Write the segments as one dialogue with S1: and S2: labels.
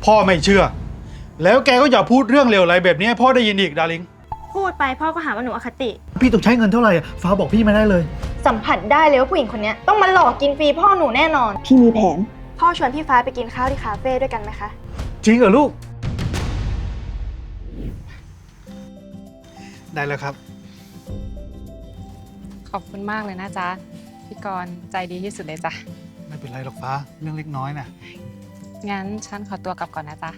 S1: พ่อไม่เชื่อแล้วแกก็อย่าพูดเรื่องเลวไหลแบบนี้ให้พ่อได้ยินอีกดาริง
S2: พูดไปพ่อก็หาว่าหนูอคติ
S1: พี่ต้องใช้เงินเท่าไหร่ฟ้าบอกพี่มาได้เลย
S2: สัมผัสได้เลยว่าผู้หญิงคนนี้ต้องมาหลอกกินฟรีพ่อหนูแน่นอน
S3: พี่มีแผน
S2: พ่อชวนพี่ฟ้าไปกินข้าวที่คาเฟ่ด้วยกันไหมคะ
S1: จริงเหรอลูกได้แล้วครับ
S4: ขอบคุณมากเลยนะจ๊ะพี่กรณ์ใจดีที่สุดเลยจ้ะ
S1: ไม่เป็นไรหรอกฟ้าเรื่องเล็กน้อยนะ
S4: งั้นฉันขอตัวกลับก่อนนะจ๊ะ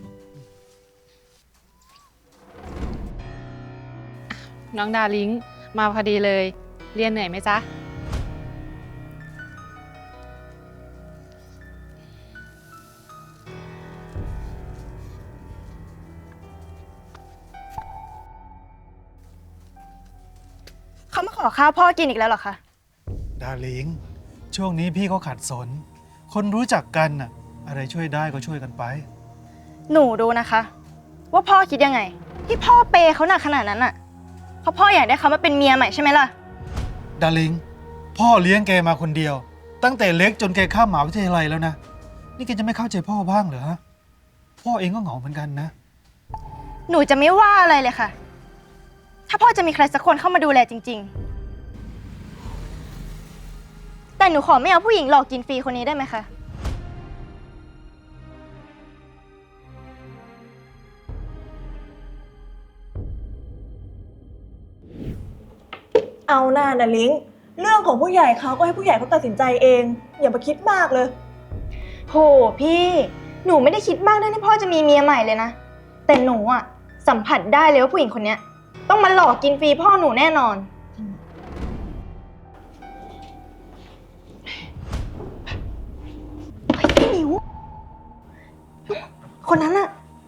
S4: น้องดาริงมาพอดีเลยเรียนเหนื่อยไหมจ๊ะ
S2: เขามาขอข้าวพ่อกินอีกแล้วเหรอคะ
S1: ดาริงช่วงนี้พี่เขาขัดสนคนรู้จักกันน่ะอะไรช่วยได้ก็ช่วยกันไป
S2: หนูดูนะคะว่าพ่อคิดยังไงที่พ่อเปย์เขาหนักขนาดนั้นอ่ะเพราะพ่ออยากได้เขามาเป็นเมียใหม่ใช่ไหมล่ะ
S1: ดาริงพ่อเลี้ยงแกมาคนเดียวตั้งแต่เล็กจนแกข้ามมหาวิทยาลัยแล้วนะนี่แกจะไม่เข้าใจพ่อบ้างเหรอฮะพ่อเองก็เหงาเหมือนกันนะ
S2: หนูจะไม่ว่าอะไรเลยค่ะถ้าพ่อจะมีใครสักคนเข้ามาดูแลจริงๆแต่หนูขอไม่เอาผู้หญิงหลอกกินฟรีคนนี้ได้ไหมคะ
S3: เอาหน้านะลิงเรื่องของผู้ใหญ่เขาก็ให้ผู้ใหญ่เขาตัดสินใจเองอย่ามาคิดมากเลย
S2: โหพี่หนูไม่ได้คิดมากเรื่องที่พ่อจะมีเมียใหม่เลยนะแต่หนูอะสัมผัสได้เลยว่าผู้หญิงคนนี้ต้องมาหลอกกินฟรีพ่อหนูแน่นอนเฮ้ยพี่หมิวคนนั้นอะ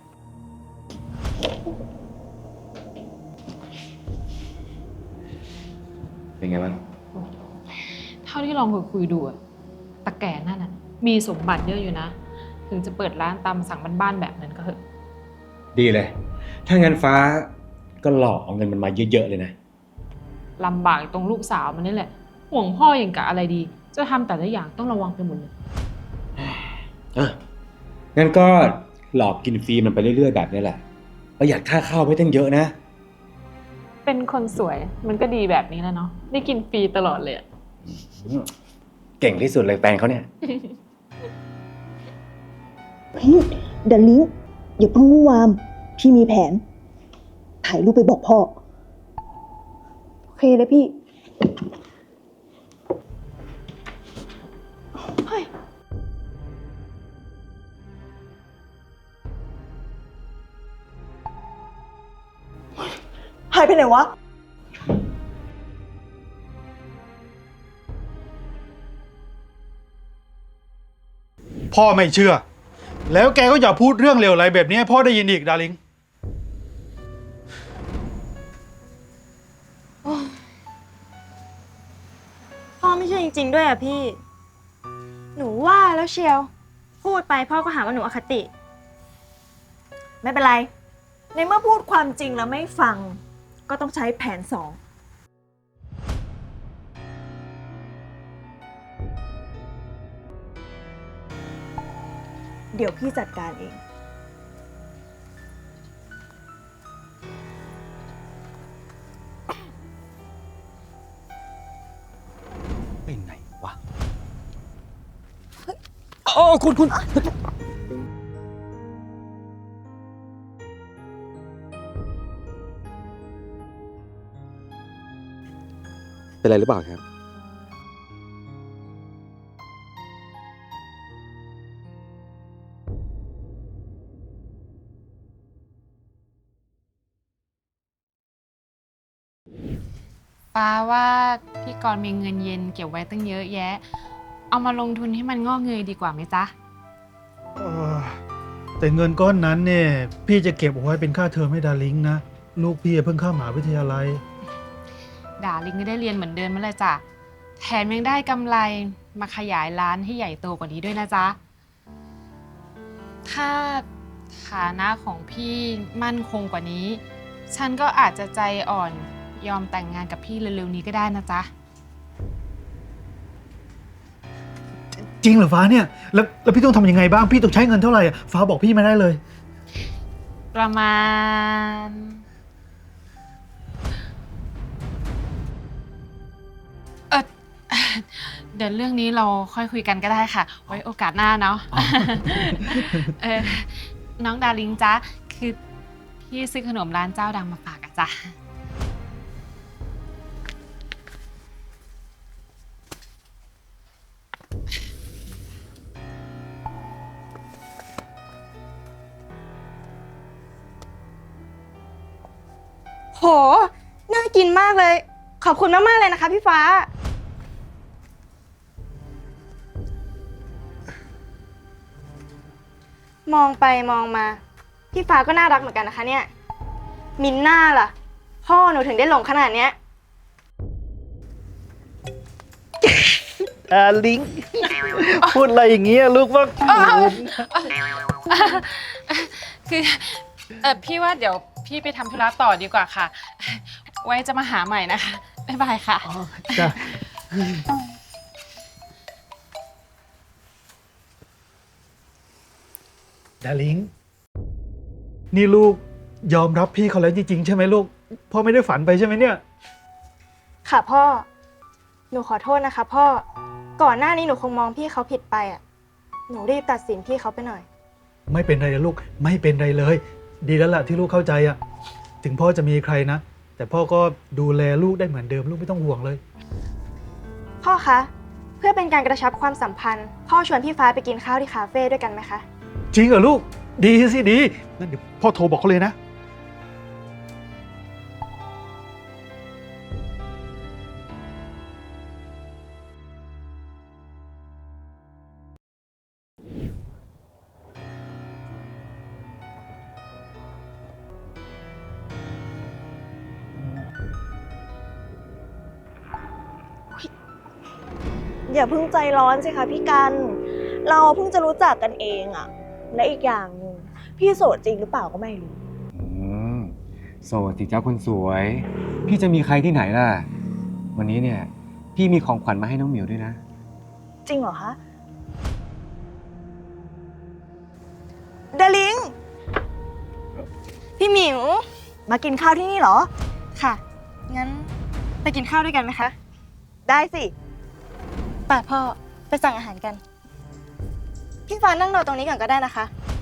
S5: เป็นไงบ้าง
S4: เท่าที่ลองคุยดูอะตะแก่นั่นน่ะมีสมบัติเยอะอยู่นะถึงจะเปิดร้านตามสั่งบ้านๆแบบนั้นก็เถอะ
S5: ดีเลยถ้างั้นฟ้าก็หลอกเอาเงินมันมาเยอะๆเลยนะ
S4: ลำบากตรงลูกสาวมันนี่แหละห่วงพ่ออย่างกะอะไรดีจะทำแต่ละอย่างต้องระวังไปหมดเลย
S5: งั้นก็หลอกกินฟรีมันไปเรื่อยๆแบบนี้แหละประหยัดค่าข้าวไม่ตั้งเยอะนะ
S4: เป็นคนสวยมันก็ดีแบบนี้แล้วเนาะได้กินฟรีตลอดเลย
S5: เก่งที่สุดเลยแฟนเขาเนี่ย
S3: พี่ดาลิงอย่าเพิ่งวู่วามพี่มีแผนถ่ายรูปไปบอกพ่อโอเคเลยพี่
S2: เฮ้ย
S3: หายไปไหนวะ
S1: พ่อไม่เชื่อแล้วแกก็อย่าพูดเรื่องเลวไหลแบบนี้ให้พ่อได้ยินอีกดาริง
S2: พ่อไม่ใช่จริงๆด้วยอะพี่หนูว่าแล้วเชียวพูดไปพ่อก็หาว่าหนูอคติ
S3: ไม่เป็นไรในเมื่อพูดความจริงแล้วไม่ฟังก็ต้องใช้แผน2เดี๋ยวพี่จัดการเอง
S5: ไปไหนวะโอ้คุณเป็นไรหรือเปล่าครับ
S4: ป้าว่าพี่กรณ์มีเงินเย็นเก็บไว้ตั้งเยอะแยะเอามาลงทุนให้มันงอกเงยดีกว่าไหมจ๊ะ
S1: แต่เงินก้อนนั้นเนี่ยพี่จะเก็บเอาไว้เป็นค่าเทอมให้ดาริงนะลูกพี่เพิ่งเข้ามหาวิทยาลัย
S4: ดาริงก็ได้เรียนเหมือนเดิมนั่นแหละจ้ะแถมยังได้กำไรมาขยายร้านให้ใหญ่โตกว่านี้ด้วยนะจ๊ะถ้าฐานะของพี่มั่นคงกว่านี้ฉันก็อาจจะใจอ่อนยอมแต่งงานกับพี่เร็วๆนี้ก็ได้นะจ๊ะ
S1: จริงเหรอฟ้าเนี่ยแล้วพี่ต้องทำยังไงบ้างพี่ต้องใช้เงินเท่าไหร่อะฟ้าบอกพี่มาได้เลย
S4: ประมาณเออเดี๋ยวเรื่องนี้เราค่อยคุยกันก็ได้ค่ะ ไว้โอกาสหน้าเนาะ เออน้องดาริงจ๊ะคือพี่ซื้อขนมร้านเจ้าดังมาฝากอะจ๊ะ
S2: โห น่ากินมากเลย ขอบคุณมากๆเลยนะคะพี่ฟ้า มองไปมองมา พี่ฟ้าก็น่ารักเหมือนกันนะคะเนี่ย มินน่าล่ะ พ่อหนูถึงได้หลงขนาดเนี้ย
S1: ลิง พูดอะไรอย่างเงี้ยลูกว่า
S4: คือพี่ว่าเดี๋ยวพี่ไปทำธุระต่อดีกว่าค่ะ ไว้จะมาหาใหม่นะคะ บ๊ายบายค่ะ
S1: จ้ะดาริงนี่ลูกยอมรับพี่เขาแล้วจริงๆใช่ไหมลูกพ่อไม่ได้ฝันไปใช่ไหมเนี่ย
S2: ค่ะพ่อ หนูขอโทษนะคะพ่อ ก่อนหน้านี้หนูคงมองพี่เขาผิดไปอ่ะ หนูรีบตัดสินพี่เขาไปหน่อย
S1: ไม่เป็นไรนะลูกไม่เป็นไรเลย ดีแล้วล่ะที่ลูกเข้าใจอะถึงพ่อจะมีใครนะ แต่พ่อก็ดูแลลูกได้เหมือนเดิมลูกไม่ต้องห่วงเลย
S2: พ่อคะ เพื่อเป็นการกระชับความสัมพันธ์ พ่อชวนพี่ฟ้าไปกินข้าวที่คาเฟ่ด้วยกันไหมคะ
S1: จริงเหรอลูกดีสิดีงั้นเดี๋ยวพ่อโทรบอกเขาเลยนะ
S3: อย่าเพิ่งใจร้อนสิคะพี่กัน เราเพิ่งจะรู้จักกันเองอะและอีกอย่างหนึ่งพี่โสดจริงหรือเปล่าก็ไม่รู้
S5: โสดสิเจ้าคนสวย พี่จะมีใครที่ไหนล่ะ วันนี้เนี่ย พี่มีของขวัญมาให้น้องหมิวด้วยนะ
S3: จริงเหรอคะดาริง
S2: พี่หมิว
S3: มากินข้าวที่นี่เหรอ
S2: ค่ะ งั้นไปกินข้าวด้วยกันไหมคะ
S3: ได้สิ
S2: ป่ะพ่อ ไปสั่งอาหารกัน พี่ฟ้านั่งรอตรงนี้ก่อนก็ได้นะคะ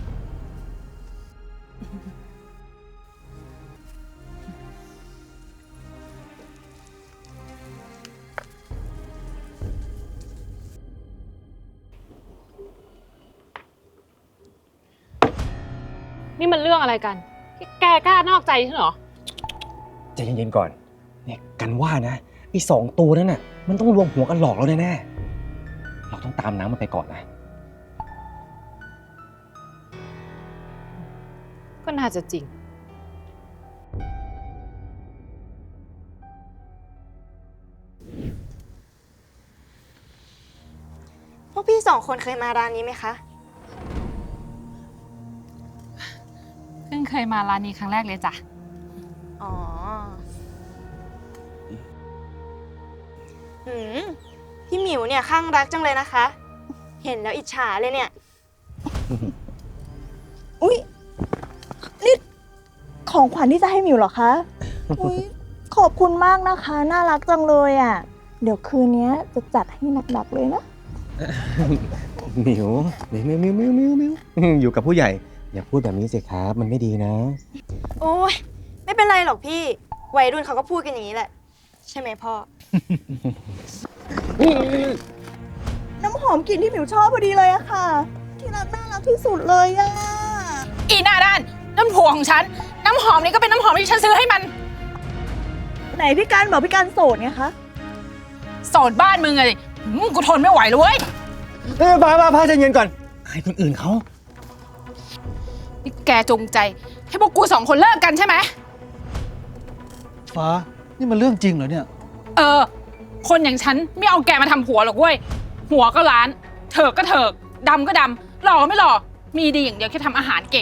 S4: นี่มันเรื่องอะไรกัน แกกล้านอกใจฉันเหรอ
S5: ใจเย็นๆก่อน เนี่ยกันว่านะไอ้2 ตัวนั้นน่ะ มันต้องรวมหัวกันหลอกเราแน่ๆ เราต้องตามน้ำมันไปก่อนนะ
S4: ก็น่าจะจริง
S2: พวกพี่2 คนเคยมาร้านนี้ไหมคะ
S4: เพิ่งเคยมาร้านนี้ครั้งแรกเลยจ้ะ
S2: อ๋อพี่หมิวเนี่ยข้างรักจังเลยนะคะ เห็นแล้วอิจฉาเลยเนี่ย
S3: อุ๊ย นี่ของขวัญที่จะให้หมิวเหรอคะ อุ๊ย ขอบคุณมากนะคะ น่ารักจังเลยอ่ะ เดี๋ยวคืนนี้จะจัดให้หนักๆเลยนะ
S5: หมิวอยู่กับผู้ใหญ่ อย่าพูดแบบนี้สิครับ มันไม่ดีนะ
S2: โอ้ยไม่เป็นไรหรอกพี่ วัยรุ่นเขาก็พูดกันอย่างนี้แหละ ใช่ไหมพ่อ
S3: น้ำหอมกลิ่นที่หมิวชอบพอดีเลยอะค่ะ ที่รักน่ารักที่สุดเลยอะ
S4: อีหน้าด้านนั่นผัวของฉัน น้ำหอมนี่ก็เป็นน้ำหอมที่ฉันซื้อให้มัน
S3: ไหนพี่การบอกพี่การโสดไงคะ
S4: โสดบ้านมึงไงกูทนไม่ไหวเลยเว้ย
S5: พาใจเย็นก่อนอายคนอื่นเขา
S4: นี่แกจงใจ ให้พวกกู2 คนเลิกกันใช่ไหม
S1: ฟ้านี่มันเรื่องจริงเหรอเนี่ย
S4: คนอย่างฉันไม่เอาแกมาทำผัวหรอกเว้ย หัวก็ล้าน เถิกก็เถิก ดำก็ดำ หล่อไม่หล่อ มีดีอย่างเดียวแค่ทำอาหารเก่ง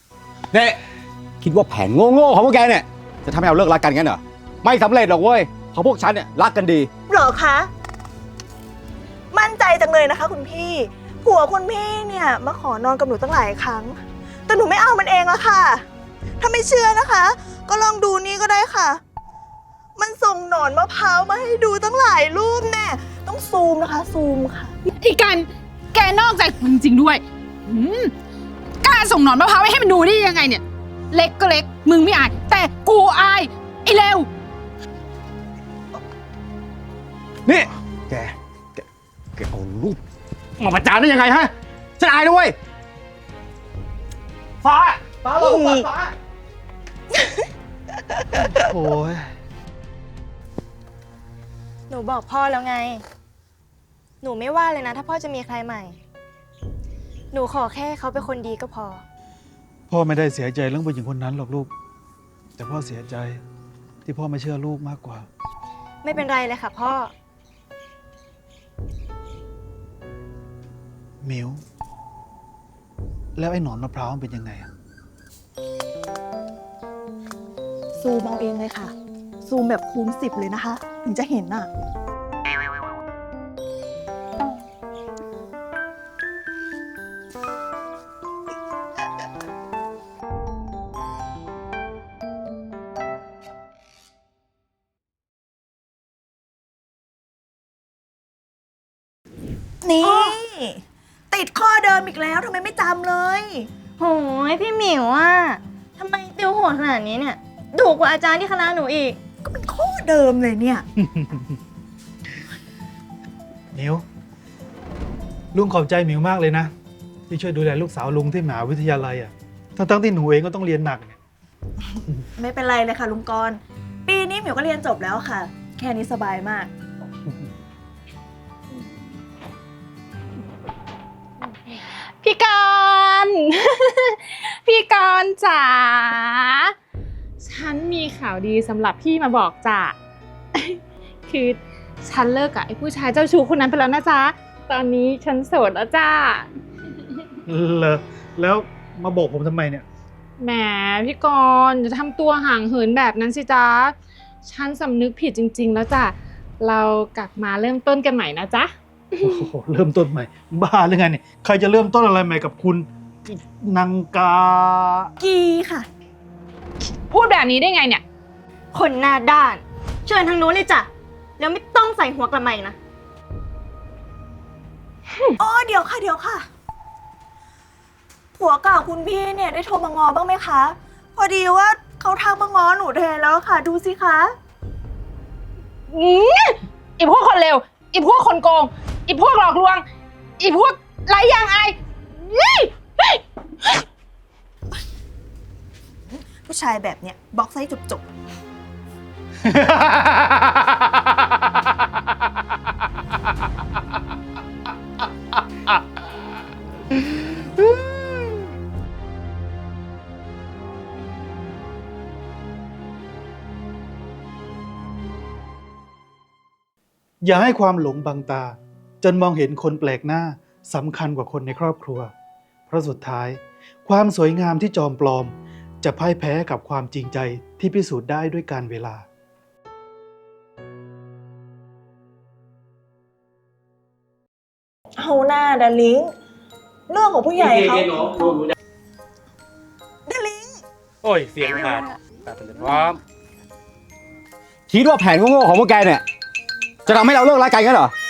S5: เนี่ยคิดว่าแผนโง่ๆของพวกแกเนี่ย จะทำให้เราเลิกรักกันงั้นเหรอ ไม่สำเร็จหรอกเว้ยเพราะพวกฉันเนี่ยรักกันดี
S3: เหรอคะ มั่นใจจังเลยนะคะ คุณพี่ ผัวคุณพี่เนี่ยมาขอนอนกับหนูตั้งหลายครั้ง แต่หนูไม่เอามันเองอะค่ะ ถ้าไม่เชื่อนะคะ ก็ลองดูนี่ก็ได้ค่ะ มันส่งหนอนมะพร้าวมาให้ดูตั้งหลายรูปแน่ต้องซูมนะคะ ซูมค่ะ
S4: ไอ้กันแกนอกใจกูจริงๆด้วยกล้าส่งหนอนมะพร้าวให้มันดูได้ยังไงเนี่ย เล็กก็เล็ก มึงไม่อาย แต่กูอาย ไอ้เลว
S5: นี่ แกเอารูปมาประจานได้ยังไงฮะ ฉันอายด้วยฟ้าลงฟ้า
S1: โอ้ย
S2: หนูบอกพ่อแล้วไง หนูไม่ว่าเลยนะ ถ้าพ่อจะมีใครใหม่ หนูขอแค่เขาเป็นคนดีก็พอ
S1: พ่อไม่ได้เสียใจเรื่องผู้หญิงคนนั้นหรอกลูก แต่พ่อเสียใจที่พ่อไม่เชื่อลูกมากกว่า
S2: ไม่เป็นไรเลยค่ะพ่อ
S1: มิวแล้วไอ้หนอนมะพร้าวมันเป็นยังไงอะ
S3: ซูมเอาเองเลยค่ะ ซูมแบบคูณ10เลยนะคะ ถึงจะเห็นน่ะ นี่ ติดข้อเดิมอีกแล้วทำไมไม่จำเลย
S2: โหยพี่หมิวอ่ะทำไมติวโหดขนาดนี้เนี่ยดุกว่าอาจารย์ที่คณะหนูอีก
S3: ก็เป็นข้อเดิมเลยเนี่ย
S1: มิวลุงขอบใจมิวมากเลยนะ ที่ช่วยดูแลลูกสาวลุงที่มหาวิทยาลัยอ่ะทั้งที่หนูเองก็ต้องเรียนหนักเนี่ย
S3: ไม่เป็นไรเลยค่ะลุงกรณ์ปีนี้หมิวก็เรียนจบแล้วค่ะ แค่นี้สบายมาก
S4: พี่กรณ์ พี่กรณ์จ๋า ฉันมีข่าวดีสำหรับพี่มาบอกจ้ะ คือฉันเลิกกับไอ้ผู้ชายเจ้าชู้คนนั้นไปแล้วนะจ๊ะ ตอนนี้ฉันโสดแล้วจ้า
S1: เหรอแล้วมาบอกผมทำไมเนี่ย
S4: แหมพี่กรณ์จะทำตัวห่างเหินแบบนั้นสิจ๊ะ ฉันสำนึกผิดจริง ๆ แล้วจ้ะ เรากลับมาเริ่มต้นกันใหม่นะจ๊ะ
S1: โอ้โหเริ่มต้นใหม่ บ้าหรือไงเนี่ยใครจะเริ่มต้นอะไรใหม่กับคุณนางกา
S3: กีค่ะ
S4: พูดแบบนี้ได้ไงเนี่ย
S2: คนหน้าด้าน เชิญทางนู้นเลยจ้ะ แล้วไม่ต้องใส่หัวกระไหม่นะ
S3: อ๋อเดี๋ยวค่ะเดี๋ยวค่ะ ผัวเก่าคุณพี่เนี่ยได้โทรมางอบ้างไหมคะ พอดีว่าเขาทักมางอหนูแทนแล้วค่ะ ดูสิคะ
S4: ไอ้พวกคนเลวไอ้พวกคนโกงไอ้พวกหลอกลวงไอ้พวกไร้ยางอายนี่
S3: ผู้ชายแบบเนี้ยบล็อกไซส์จบ
S1: อย่าให้ความหลงบังตา จนมองเห็นคนแปลกหน้าสำคัญกว่าคนในครอบครัว เพราะสุดท้ายความสวยงามที่จอมปลอม จะพ่ายแพ้กับความจริงใจที่พิสูจน์ได้ด้วยการเวลา
S3: ๆเอาหน้าดาลิงเรื่องของผู้ใหญ่เขาดาลิง
S6: โอ้ย เสียงขาดพร้อม
S5: คิดว่าแผนโง่ๆของพวกแกเนี่ย จะทำให้เราเลิกรักกันงั้นเหรอ